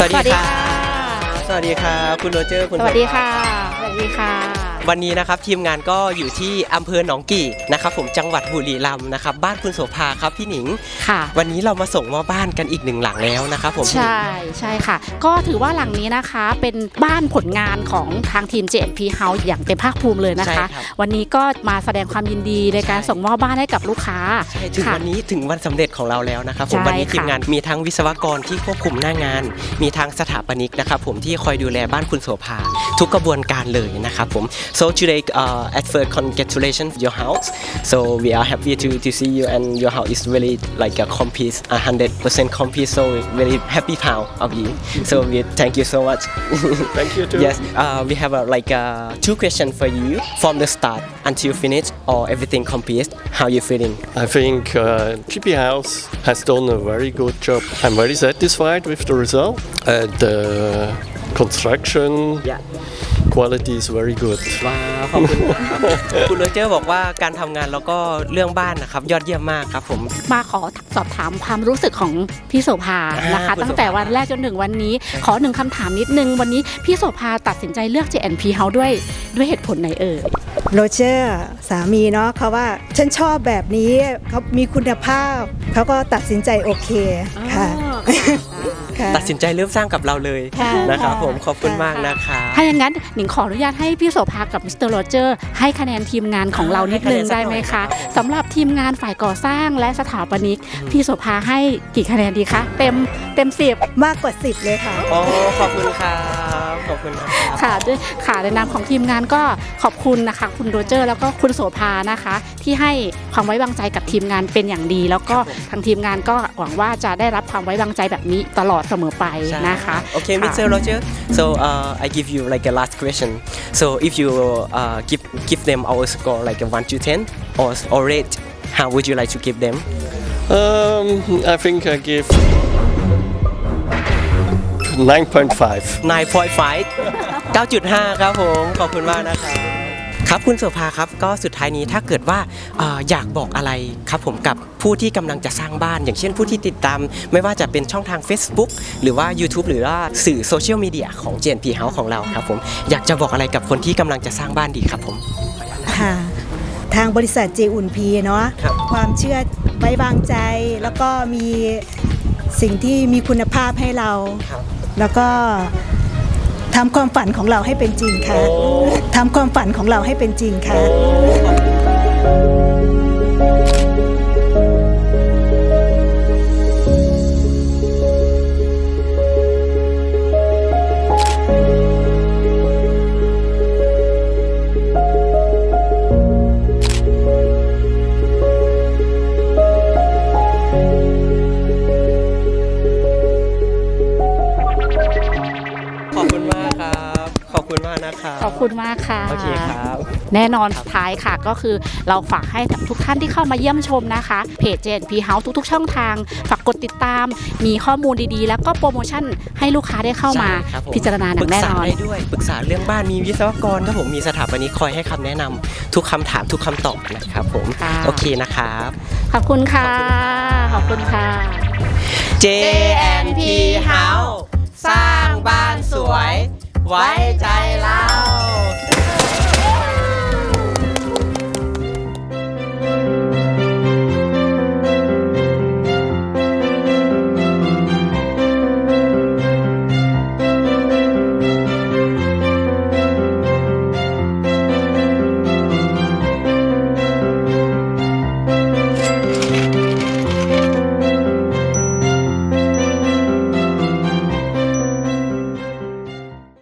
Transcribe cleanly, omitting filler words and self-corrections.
สวัสดีค่ะสวัสดีค่ะคุณโรเจอร์คุณสวัสดีค่ะสวัสดีค่ะวันนี้นะครับทีมงานก็อยู่ที่อำเภอหนองกี่นะครับผมจังหวัดบุรีรัมย์นะครับบ้านคุณโสภาครับพี่หนิงค่ะวันนี้เรามาส่งมอบบ้านกันอีกหนึ่งหลังแล้วนะครับผมใช่ค่ะก็ถือว่าหลังนี้นะคะเป็นบ้านผลงานของทางทีม JNP House อย่างเต็มภาคภูมิเลยนะคะวันนี้ก็มาแสดงความยินดีในการส่งมอบบ้านให้กับลูกค้าใช่ถึงวันนี้ถึงวันสำเร็จของเราแล้วนะครับผมวันนี้ทีมงานมีทั้งวิศวกรที่ควบคุมหน้างานมีทั้งสถาปนิกนะครับผมที่คอยดูแลบ้านคุณโสภาทุกกระบวนการเลยนะครับผม so today at first congratulations your house so we are happy to see you and your house is really like a complete 100% complete so very happy proud of you so we thank you so much thank you too yes we have two questions for you from the start until finish or everything complete how you feeling I think JNP House has done a very good job I'm very satisfied with the result the construction quality is very good ว้าวขอบคุณครับคุณโรเจอร์บอกว่าการทำงานแล้วก็เรื่องบ้านนะครับยอดเยี่ยมมากครับผมมาขอสอบถามความรู้สึกของพี่โสภานะคะตั้งแต่วันแรกจนถึงวันนี้ขอหนึ่งคำถามนิดนึงวันนี้พี่โสภาตัดสินใจเลือก JNP House ด้วยเหตุผลไหนเอ่ยโรเจอร์สามีเนาะเขาว่าฉันชอบแบบนี้เขามีคุณภาพเขาก็ตัดสินใจโอเคค่ะตัดสินใจเริ่มสร้างกับเราเลยนะครับผมขอบคุณมากนะคะถ้าอย่างนั้นหนิงขออนุญาตให้พี่โสภากับมิสเตอร์โรเจอร์ให้คะแนนทีมงานของเรานิดนึงได้ไหมคะสำหรับทีมงานฝ่ายก่อสร้างและสถาปนิกพี่โสภาให้กี่คะแนนดีคะเต็ม10 มากกว่า10เลยค่ะอ๋อขอบคุณครับขอบคุณค่ะด้วยค่ะในนามของทีมงานก็ขอบคุณนะคะคุณโรเจอร์แล้วก็คุณโสภานะคะที่ให้ความไว้วางใจกับทีมงานเป็นอย่างดีแล้วก็ทางทีมงานก็หวังว่าจะได้รับความไว้วางใจแบบนี้ตลอดเสมอไปนะคะ Okay Mr. Roger so I give you like a last question so if you give them our score like a 1 to 10 or rate how would you like to give them I think I give 9.5 9.5 ครับผมขอบคุณมากนะครับครับคุณโสภาครับก็สุดท้ายนี้ถ้าเกิดว่าอยากบอกอะไรครับผมกับผู้ที่กำลังจะสร้างบ้านอย่างเช่นผู้ที่ติดตามไม่ว่าจะเป็นช่องทาง Facebook หรือว่า YouTube หรือว่าสื่อโซเชียลมีเดียของ JNP House ของเราครับผมอยากจะบอกอะไรกับคนที่กำลังจะสร้างบ้านดีครับผมค่ะทางบริษัท JNP เนาะความเชื่อไว้วางใจแล้วก็มีสิ่งที่มีคุณภาพให้เราแล้วก็ทำความฝันของเราให้เป็นจริงค่ะทำความฝันของเราให้เป็นจริงค่ะขอบคุณมากครับขอบคุณมากนะคะขอบคุณมากค่ะโอเคครับแน่นอนสุดท้ายค่ะก็คือเราฝากให้ทุกท่านที่เข้ามาเยี่ยมชมนะคะเพจ JNP House ทุกๆช่องทางฝากกดติดตามมีข้อมูลดีๆแล้วก็โปรโมชั่นให้ลูกค้าได้เข้ามาพิจารณาอย่างแน่นอนปรึกษาได้ด้วยปรึกษาเรื่องบ้านมีวิศวกรครับผมมีสถาปนิกคอยให้คำแนะนำทุกคำถามทุกคำตอบนะครับผมโอเคนะครับขอบคุณค่ะขอบคุณค่ะ JNP House สร้างบ้านสวยไว้ใจเรา